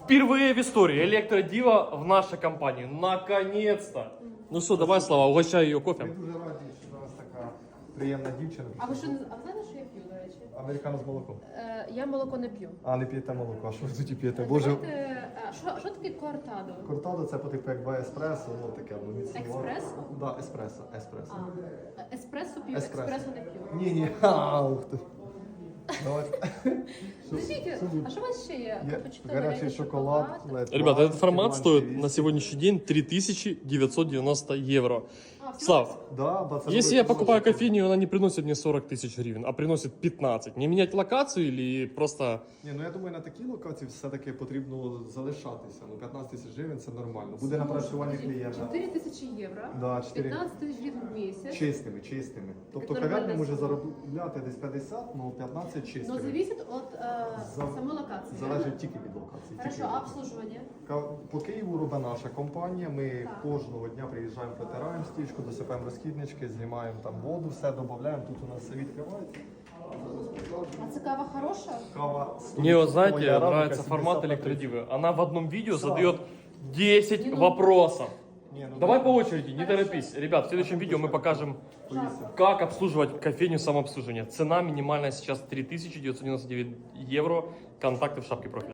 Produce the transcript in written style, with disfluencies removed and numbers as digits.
Впервые в истории электродива в нашей компании. Наконец-то! Ну что, давай, Слава, угощай ее Ми кофе. дуже раді, що у нас така приємна дівчина. А ви знаєте, що я п'ю, до речі? Американо з молоком. Я молоко не п'ю. А не п'єте молоко, а що ви тоді п'єте? Боже, Давайте, що таке кортадо? кортадо це по типу як еспресо, ну таке, ну міцне. Експресо? Да, еспресо, еспресо. Еспресо п'ю, Еспресо. експресо не п'ю. Ні, ух ти. Давайте. Подождите, а що у вас ще є? Є Капучино, гарячий латте, шоколад. шоколад? Ребята, этот формат стоит Іван на сегодняшний день 3990 евро. А, всё? Слав, Да, да, це если я великий покупаю зошит. кофейню, она не приносит мне 40 тысяч гривен, а приносит 15. Не менять локацию или просто... Ні, ну я думаю, на такій локації все-таки потрібно залишатися. Ну 15 тисяч гривень це нормально. Буде напрацювання клієнта. 4 тисячі євро, Да, 4. 15 тисяч гривень в місяць. Чистими, чистими. Тобто Нормальна кав'ярня може сума. заробляти десь 50, ну 15 Но чистими. зависит от самой локации. Залежить тільки від локації. Хорошо, тільки від а локації. обслуживание? По Києву робить наша компанія. Ми Так. кожного дня приїжджаємо, протираємо стічку, досипаємо розхіднички, знімаємо там воду, все додаємо. Тут у нас все відкривається. А це кава хороша? Кава Мне, вот, знаете, Моя рамка нравится 70 формат на 30. электродивы. Она в одном видео Слава. задает 10 Не, ну- вопросов. Ні, ну, Давай да. по очереди, не торопись. Ребят, в следующем видео мы покажем, как обслуживать кофейню самообслуживания. Цена минимальная сейчас 3999 евро. Контакты в шапке профиля.